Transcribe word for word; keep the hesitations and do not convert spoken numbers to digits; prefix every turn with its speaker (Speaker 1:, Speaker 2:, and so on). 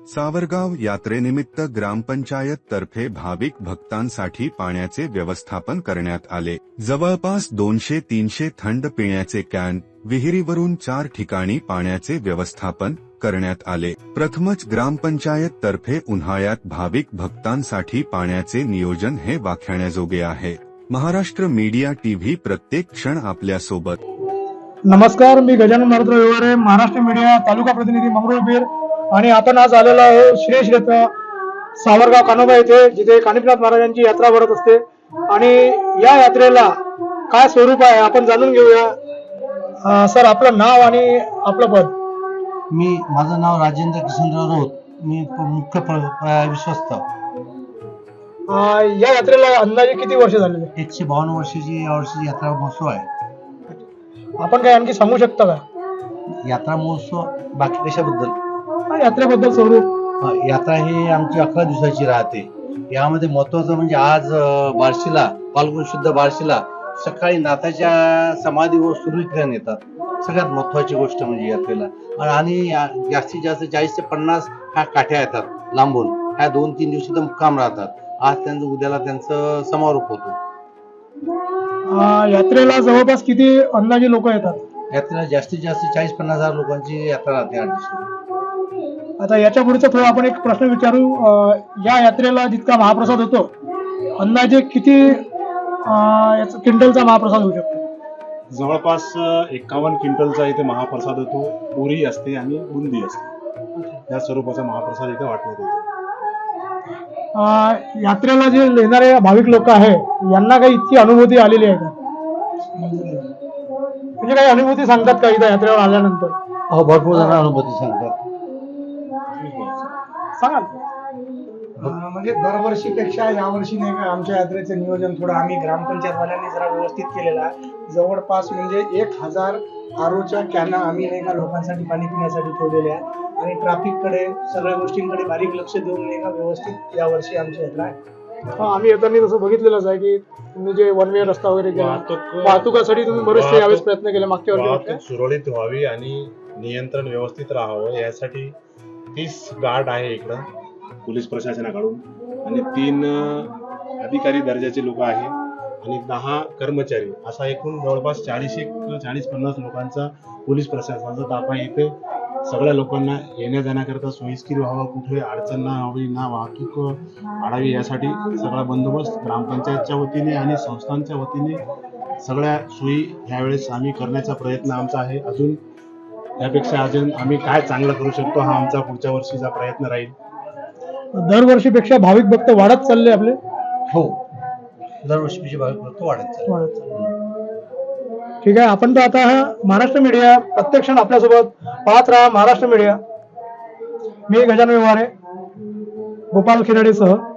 Speaker 1: सावरगाव यात्रेनिमित्त ग्रामपंचायत तर्फे भाविक भक्तांसाठी पाण्याचे व्यवस्थापन करण्यात आले। जवळपास दोनशे तीनशे थंड पिण्याचे कॅन, विहिरीवरून चार ठिकाणी पाण्याचे व्यवस्थापन करण्यात आले। प्रथमच ग्रामपंचायत तर्फे उन्हाळ्यात भाविक भक्तांसाठी पाण्याचे नियोजन हे वाखाणण्याजोगे आहे। महाराष्ट्र मीडिया टीव्ही प्रत्येक क्षण आपल्या सोबत।
Speaker 2: नमस्कार, मी गजानन मारुतराव व्यवहारे, महाराष्ट्र मीडिया तालुका प्रतिनिधी मंगरुळपीर, आणि आपण आज आलेलो आहे श्री क्षेत्र सावरगाव कानोबा येथे, जिथे कानिफनाथ महाराजांची यात्रा भरत असते। आणि या यात्रेला काय स्वरूप आहे आपण जाणून घेऊया। सर, आपलं नाव आणि आपलं पद?
Speaker 3: मी माझं नाव राजेंद्र किशनराव राऊत, मी मुख्य विश्वस्त।
Speaker 2: या यात्रेला अंदाजे किती वर्ष झालेले?
Speaker 3: एकशे बावन्न वर्षाची यावर्षी यात्रा महोत्सव आहे।
Speaker 2: आपण काय आणखी सांगू शकता का
Speaker 3: यात्रा महोत्सव बाकी कशाबद्दल?
Speaker 2: यात्रेबद्दल स्वरूप?
Speaker 3: यात्रा ही आमची अकरा दिवसाची राहते। यामध्ये महत्वाचं म्हणजे आज बार्शीला, फाल्गुन शुद्ध बार्शीला सकाळी नाथाच्या समाधीवर सूर्यकिरण येतात। सगळ्यात महत्वाची गोष्ट म्हणजे यात्रेला, आणि जास्तीत जास्त चाळीस ते पन्नास ह्या काठ्या येतात लांबून। ह्या दोन तीन दिवशी तर मुक्काम राहतात। आज त्यांचं उद्याला त्यांचं समारोप होतो।
Speaker 2: यात्रेला जवळपास किती अंदाजे लोक येतात?
Speaker 3: यात्रेला जास्तीत जास्त चाळीस पन्नास हजार लोकांची यात्रा राहते आठ दिवशी।
Speaker 2: आता याच्या पुढचा थोडा आपण एक प्रश्न विचारू। या यात्रेला जितका महाप्रसाद होतो, अंदाजे किती क्विंटलचा महाप्रसाद होऊ शकतो?
Speaker 4: जवळपास एकावन्न क्विंटलचा इथे महाप्रसाद होतो। पुरी असते आणि बुंदी असते, या स्वरूपाचा महाप्रसाद इथे वाटण्यात येतो।
Speaker 2: यात्रेला जे येणारे भाविक लोक आहे, यांना काही इतकी अनुभूती आलेली आहे का? म्हणजे काही अनुभूती सांगतात का इथं यात्रेवर आल्यानंतर?
Speaker 3: हो, भरपूर जण अनुभूती सांगतात।
Speaker 2: सांगाल?
Speaker 5: म्हणजे दरवर्षीपेक्षा यावर्षी नाही का आमच्या यात्रेचं नियोजन थोडं आम्ही ग्रामपंचायत वाल्यांनी जरा व्यवस्थित केलेलं आहे। जवळपास म्हणजे एक हजार आरोच्या कॅना आम्ही नाही का लोकांसाठी पाणी पिण्यासाठी ठेवलेल्या आहे, आणि ट्रॅफिककडे सगळ्या गोष्टींकडे बारीक लक्ष देऊन नाही का व्यवस्थित यावर्षी आमची यात्रा आहे।
Speaker 2: आम्ही येताना तसं बघितलेलंच आहे की तुम्ही जे वन वे रस्ता वगैरे केला, वाहतुकासाठी तुम्ही बरेचसे यावेळेस प्रयत्न केले मागच्या वर्षी।
Speaker 4: सुरळीत व्हावी आणि नियंत्रण व्यवस्थित राहावं यासाठी तीस गार्ड आहे इकडं पोलीस प्रशासनाकडून, आणि तीन अधिकारी दर्जाचे लोक आहे, आणि दहा कर्मचारी, असा एकूण जवळपास चाळीस एक चाळीस पन्नास लोकांचा पोलीस प्रशासनाचा ताफ आहे इथे। सगळ्या लोकांना येण्या जाण्याकरता सोयीस्कर व्हावं, कुठे अडचण ना व्हावी, ना वाहतूक आढावी, यासाठी सगळा बंदोबस्त ग्रामपंचायतच्या वतीने आणि संस्थांच्या वतीने सगळ्या सोयी ह्यावेळेस आम्ही करण्याचा प्रयत्न आमचा आहे। अजून त्यापेक्षा अजून आम्ही काय चांगलं करू शकतो हा आमचा पुढच्या वर्षीचा प्रयत्न राहील।
Speaker 2: दरवर्षीपेक्षा भाविक भक्त वाढत चालले आपले?
Speaker 3: हो, दरवर्षीपेक्षा भाविक भक्त वाढत चालले।
Speaker 2: ठीक आहे, आपण तर आता महाराष्ट्र मीडिया प्रत्यक्ष आपल्यासोबत पाहत राहा। महाराष्ट्र मीडिया, मी गजानन व्यवहारे, गोपाल खिराडेसह।